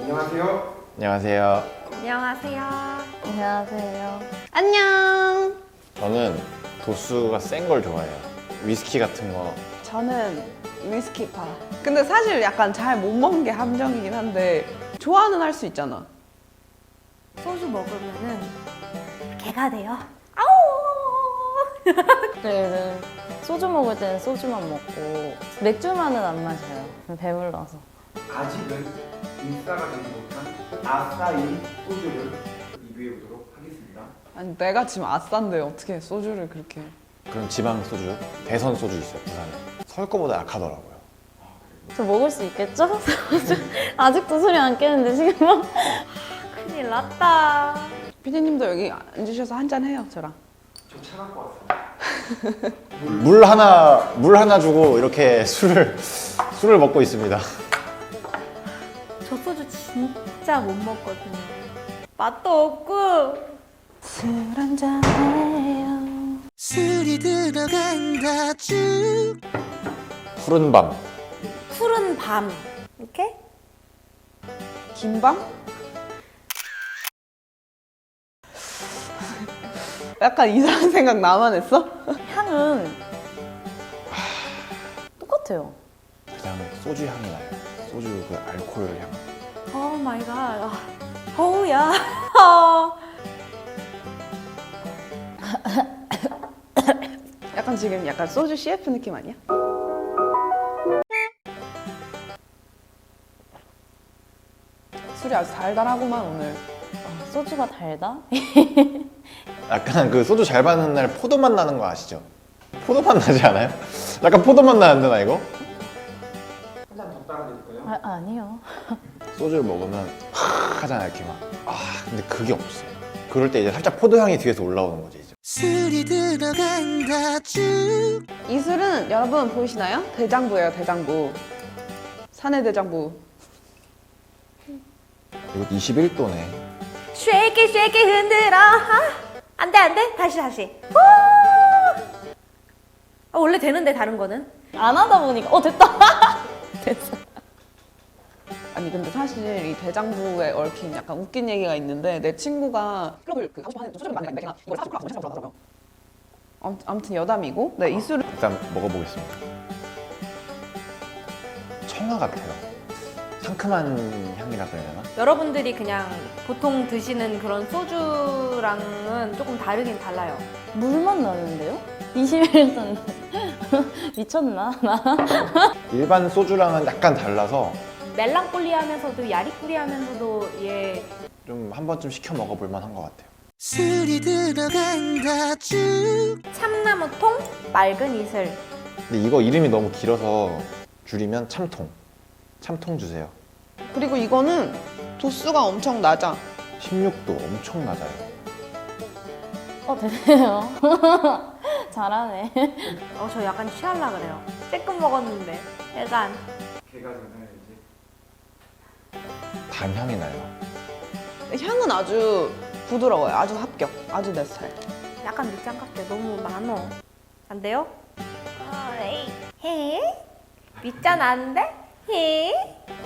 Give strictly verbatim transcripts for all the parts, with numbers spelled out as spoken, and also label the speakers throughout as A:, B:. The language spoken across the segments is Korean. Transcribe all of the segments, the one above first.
A: 안녕하세요.
B: 안녕하세요.
C: 안녕하세요.
D: 안녕하세요.
C: 안녕.
B: 저는 도수가 센 걸 좋아해요. 위스키 같은 거.
E: 저는 위스키파. 근데 사실 약간 잘 못 먹는 게 함정이긴 한데 좋아는 할 수 있잖아.
C: 소주 먹으면은 개가 돼요. 아우.
D: 저희는 소주 먹을 때는 소주만 먹고 맥주만은 안 마셔요. 배불러서.
A: 아직은 인싸가 되지 못한 아싸인 소주를 리뷰해 보도록 하겠습니다.
E: 아니 내가 지금 아싼데 어떻게 소주를 그렇게.
B: 그런 지방 소주, 대선 소주 있어요, 부산에. 서울 거보다 약하더라고요.
D: 저 먹을 수 있겠죠? 소주. 아직도 소리 안 깨는데 지금 막.
C: 큰일 났다.
E: 피디님도 여기 앉으셔서 한잔 해요, 저랑.
A: 저 차 갖고 왔습니다.
B: 물 하나, 물 하나 주고 이렇게 술을, 술을 먹고 있습니다.
C: 저 소주 진짜 못 먹거든요. 맛도 없고.
D: 술 한잔 해요.
F: 술이 들어간다 쭉
B: 푸른 밤.
C: 푸른 밤. 이렇게?
E: 김밤? 약간 이상한 생각 나만 했어?
D: 향은 똑같아요.
B: 그냥 소주 향이 나요. 소주 그 알코올 향.
C: 오 마이 갓. 어우야.
E: 약간 지금 약간 소주 씨에프 느낌 아니야? 술이 아주 달달하구만 오늘.
D: 아, 소주가 달다?
B: 약간 그 소주 잘 받는 날 포도맛 나는 거 아시죠? 포도맛 나지 않아요? 약간 포도맛 나는데 나 이거?
A: 한 잔 더 따라 드릴까요?
D: 아, 아니요.
B: 소주를 먹으면 하 하잖아요, 이렇게 막. 아, 근데 그게 없어요. 그럴 때 이제 살짝 포도향이 뒤에서 올라오는 거지, 이제.
F: 술이 들어간다 쭉
E: 이 술은 여러분 보이시나요? 대장부예요, 대장부. 산의 대장부.
B: 이거 이십일 도네.
C: 쉐이키 쉐이키 흔들어. 아, 안돼 안돼. 다시 다시. 후! 아, 원래 되는데 다른 거는?
D: 안 하다 보니까 어 됐다. 됐어.
E: 아니 근데 사실 이 대장부에 얽힌 약간 웃긴 얘기가 있는데 내 친구가 클럽을 그 하고 싶어 하는 소주를 많이 내가 이걸 사주고 싶어 하더라고요. 아무튼 여담이고 네, 이 술을
B: 일단 먹어보겠습니다. 청아 같아요. 상큼한 향이라 그래야 되나?
C: 여러분들이 그냥 보통 드시는 그런 소주랑은 조금 다르긴 달라요.
D: 물만 나는데요? 이십일 도인데 미쳤나? 나?
B: 일반 소주랑은 약간 달라서
C: 멜랑콜리하면서도 야리꾸리하면서도 얘
B: 좀 한 번쯤 시켜 먹어볼 만한 것 같아요.
F: 술이 들어간다 쭉
C: 참나무통 맑은 이슬.
B: 근데 이거 이름이 너무 길어서 줄이면 참통. 참통 주세요.
E: 그리고 이거는 도수가 엄청 낮아.
B: 십육 도 엄청 낮아요.
D: 어 되네요. 잘하네.
C: 어, 저 약간 취할라 그래요. 쬐끔 먹었는데 약간
A: 개가 되나요 이제?
B: 단향이 나요.
E: 향은 아주 부드러워요. 아주 합격. 아주 내 스타일.
C: 약간 밑장 같아. 너무 많어. 안 돼요? 아, 에이. 해? 밑장 안 돼? 해?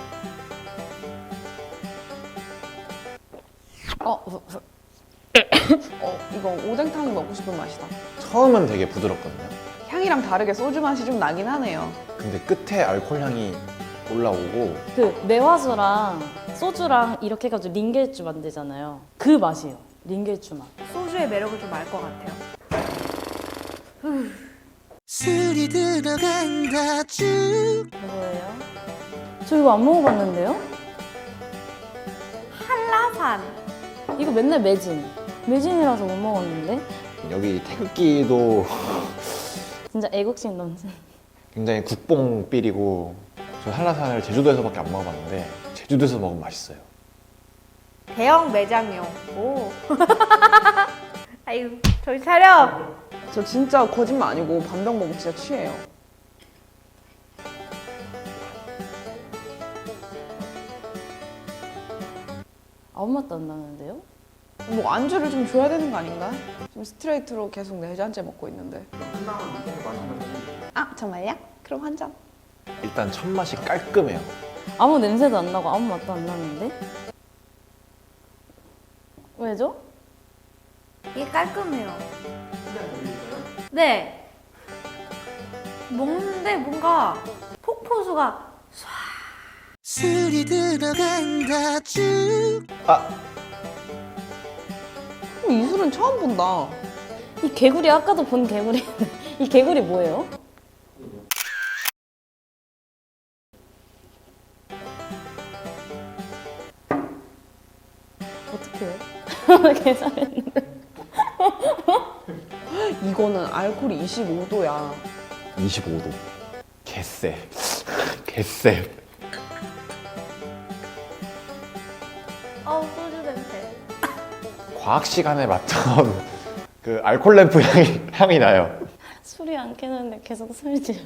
E: 어, 어, 어, 이거 오뎅탕이 먹고 싶은 맛이다.
B: 처음은 되게 부드럽거든요.
E: 향이랑 다르게 소주 맛이 좀 나긴 하네요.
B: 근데 끝에 알코올 향이 올라오고
D: 그 매화수랑 소주랑 이렇게 해가지고 링겔주 만들잖아요. 그 맛이에요. 링겔주 맛.
C: 소주의 매력을 좀 알 것 같아요.
F: 술이 들어간다 쭉
D: 뭐예요? 저 이거 안 먹어봤는데요?
C: 한라산.
D: 이거 맨날 매진. 매진이라서 못 먹었는데?
B: 여기 태극기도
D: 진짜 애국심 넘친.
B: 굉장히 국뽕삘이고 저 한라산을 제주도에서밖에 안 먹어봤는데 제주도에서 먹으면 맛있어요.
C: 대형 매장용. 오. 아이고, 저희 차려.
E: 저 진짜 거짓말 아니고 반병 먹으면 진짜 취해요.
D: 아무 맛도 안 나는데요?
E: 뭐 안주를 좀 줘야 되는 거 아닌가? 지금 스트레이트로 계속 네 잔째 먹고 있는데.
A: 끝나면 이렇게 마시면
E: 아 정말요? 그럼 한 잔.
B: 일단 첫 맛이 깔끔해요.
D: 아무 냄새도 안 나고 아무 맛도 안 나는데? 왜죠?
C: 이게 깔끔해요.
A: 그냥 보이세요?
C: 네. 먹는데 뭔가 폭포수가
F: 술이 들어간다 쭉
B: 아,
E: 어, 이 술은 처음 본다.
D: 이 개구리 아까도 본 개구리. 이 개구리 뭐예요? 어떡해. 계산했는데.
E: 이거는 알코올이 이십오 도야.
B: 이십오 도. 개쎄. 개쎄.
C: 어우 소주 냄새.
B: 과학 시간에 맡던 그 알콜 램프 향이, 향이 나요.
D: 술이 안 깨는데 계속 술 지어.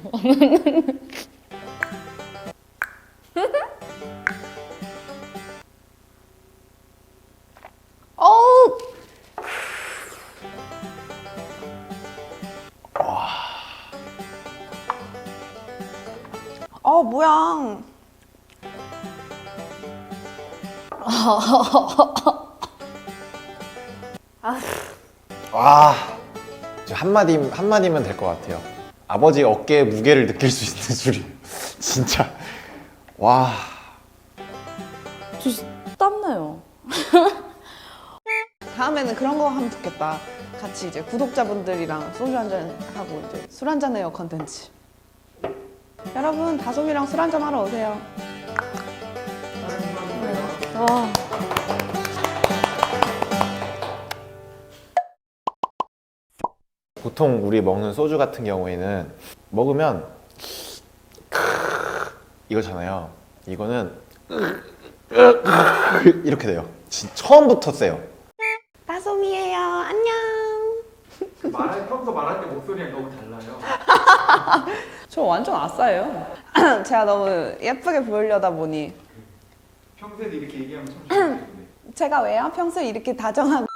E: 어우! 아 뭐야?
B: 와, 저 한마디, 한마디면 될 것 같아요. 아버지 어깨에 무게를 느낄 수 있는 술이. 진짜. 와.
D: 저 땀나요.
E: 다음에는 그런 거 하면 좋겠다. 같이 이제 구독자분들이랑 소주 한잔 하고 이제 술 한잔 해요 컨텐츠. 여러분 다솜이랑 술 한잔 하러 오세요.
D: 와.
B: 보통 우리 먹는 소주 같은 경우에는 먹으면 이거잖아요. 이거는 이렇게 돼요. 진 처음부터 세요.
E: 다솜이에요. 안녕.
A: 그 말할 평소 말할 때 목소리랑 너무 달라요.
E: 저 완전 아싸예요. 제가 너무 예쁘게 보이려다 보니
A: 평소에도 이렇게 얘기하면 참 좋은데.
E: 제가 왜요? 평소에 이렇게 다정하고